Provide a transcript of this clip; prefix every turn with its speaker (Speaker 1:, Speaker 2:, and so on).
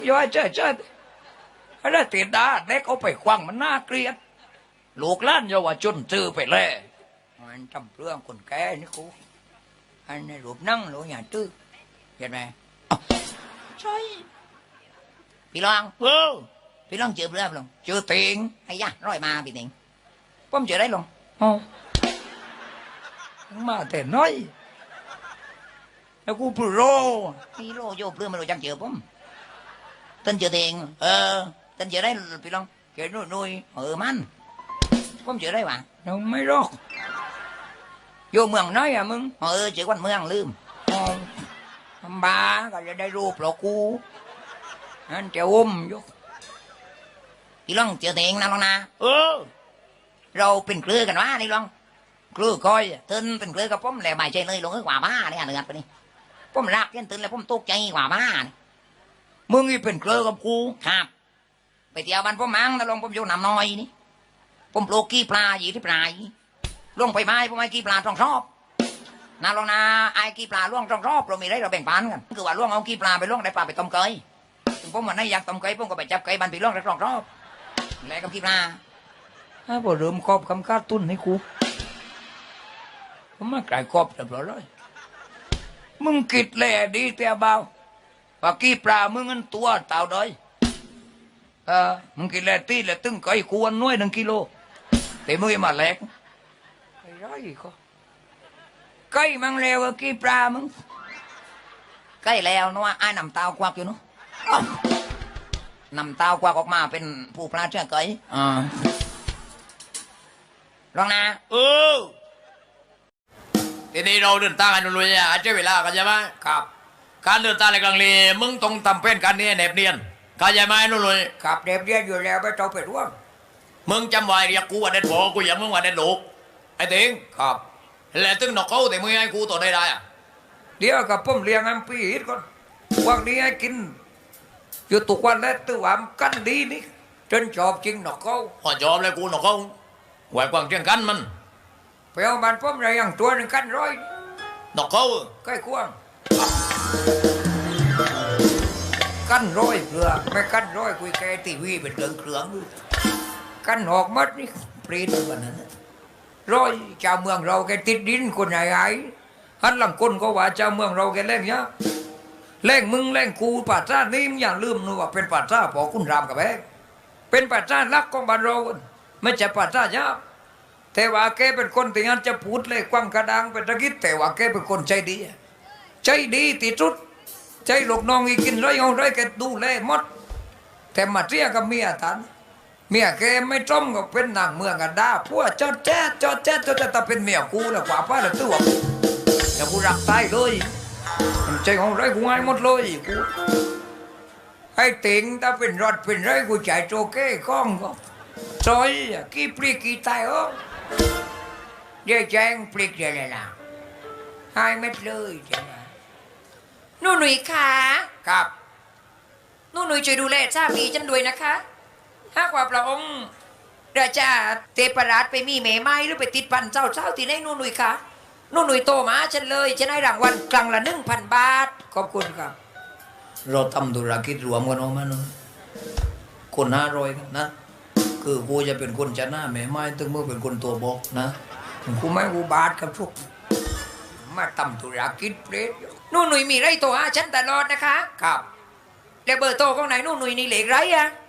Speaker 1: ย่อยเจ้าอะไรติดดาเด็กเอาไปควังมันน่าเกลียดลูกหล้านเยาวชนซื้อไปเลยมันทำเรื่องคนแก่นี่กูอันนี้รูปนั่งหรืออย่างตื้อเห็นไหมอ้าวใช่พี่ลองพี่ลองเจอเรื่องลงเจอเติงไอ้ยะร้อยมาพี่เติงผมเจอได้ลงอ๋อมาแต่น้อยแล้วกูพูดโรฮีโร่โยบเรื่องมันรู้จักเจอผมtânเจอเติงtânเจอได้พี่ลองเจอnuôiมันผมเจอได้ว่ะnóไม่รอกvôเมืองน้อยàมึงchỉ quanhเมืองลืมบ้าก็จะได้รูปหรอกกูนั่นจะvôพี่ลองเจอเติงนะลองนะเราเป็นเครือกันวะนี่ลองเครือคอยตื่นเป็นเครือกับผมแหละไม่ใช่เลยลงกว่าบ้าเนี่ยเนื้อไปนี่ผมรักยันตื่นแล้วผมตกใจกว่าบ้ามึงนี่เป็นเครือกับกูครับไปเที่ยวบ้านผมมั้งแล้วลองผมอยู่น้ำน้อยนี่ผมปลูกกี้ปลาอยู่ที่ปลายล่วงไปไม้ผมไอ้กี้ปลาต้องชอบนาลองนาไอ้กี้ปลาล่วงต้องชอบเรามีได้เราแบ่งปันกันคือว่าล่วงเอากี้ปลาไปล่วงได้ปลาไปต้มเกยผมวันนี้อยากต้มเกยผมก็ไปจับเกยบันไปล่วงได้ต้องชอบแล้วกับกี้ปลาพอเริ่มครอบคำค้าตุ้นให้กูผมมากลายครอบเรียบร้อยเลยมึงกิดแหล่ดีแต่เบาว่ากี้ปลามึงเงินตัวเต่าดอยมึงกินแหล่ตีแหล่ตึ้งเกยควรน้อย1 กิโลแต่มึงมาแหลกไอ้ร้อยก็ไก่มังเลวกี่ปลามึงไก่แล้วนัวไอ้นำเตาควักอยู่เนาะนำเตาควักออกมาเป็นผู้ปลาเชื่อไก่ลองนะ
Speaker 2: ทีนี้เราเดินทางกันลุยๆอาจจะเวลากันใช่ไหม
Speaker 1: ครับ
Speaker 2: การเดินทางในกลางเลมึงต้องทำเป็นการนี้แนบเนียนเข้าใจไหมนุ่นเลย
Speaker 1: ครับเด็บเรียนอยู่แล้วไม่ต้องไปร่วม
Speaker 2: มึงจำไว้เรียกกูว่าเด็ดพอกูอย่างมึงว่าเด็ดลูกไอ้ติง
Speaker 1: ครับ
Speaker 2: แล้วตึงนกเขาแต่มึงให้กูต่อได้อะ
Speaker 1: เดี๋ยวกับผมเลี้ยงอันปีฮิตก่อนวันนี้ให้กินอยู่ตุกวันแล้วตัวว่ากันดีนี่จนชอบจริงนกเขา
Speaker 2: พอจอมเลยกูนกเขาไหวกวางเชียงกันมัน
Speaker 1: ไปเอามันผมอะไรอย่างตัวหนึ่งกันร้อย
Speaker 2: นกเขา
Speaker 1: ใกล้ควงกันร้อยเพื่อไม่กันร้อยคุยแกทีวีเป็นเครื่องกันหอกมัดนี่ปรีดวันนั้นร้อยชาวเมืองเราแกติดดินคนไหนไอ้ฮันหลังคนก็ว่าชาวเมืองเราแกเล่งเนี้ยเล่งมึงเล่งกูป่าซ่านี่มึงอย่างลืมนึกว่าเป็นป่าซ่าพอคุณรามกับแบกเป็นป่าซ่าลักของบ้านเราไม่ใช่ป่าซ่ายับแต่ว่าแกเป็นคนที่งั้นจะพูดเลยกว้างกระดังเป็นตะกี้แต่ว่าแกเป็นคนใจดีที่สุดใจลูกน้องอีกินไรเอาไรแกดูแลหมดแต่มาเรียกับเมียท่านเมียแกไม่จมก็เป็นนางเมืองกันด้าพวกจอดแจ๊ดแต่เป็นเมียกูแล้วกว่าป้าแล้วตัวแต่กูรักตายเลยใจของไรกูง่ายหมดเลยกูให้ติงถ้าเป็นรถเป็นไรกูจ่ายโจเก้ข้องก็ซอยกี่ปลีกี่ตายเดี๋ยวแจ้งปลีกเดี๋ยวนะให้เม็ดเลยจ้ะ
Speaker 3: หนุ่ยค่ะ
Speaker 1: ครับ
Speaker 3: หนุ่ยช่วยดูแลสามีฉันด้วยนะคะหากว่าพระองค์ราชาเทพราชไปมีเมไม้หรือไปติดพันเจ้าที่ไหนหนุ่ยค่ะหนุ่ยโตมาฉันเลยฉันให้รางวัลกลางละ1,000 บาท
Speaker 1: ขอบคุณครับเราทำธุรกิจรวมกันออกมาเนาะคน500กันนะคือกูจะเป็นคนชนะแม่ไม้ถึงมึงเป็นคนตัวบอกนะกูไม่กูบาทกับทุกมาทำธุรกิจเปรต
Speaker 3: หนุ่ยมีไรโตหาฉันตลอดนะคะ
Speaker 1: ครับ
Speaker 3: แล้วเบอร์โตของไหนหนุ่ยนี่เหล็กไรอะ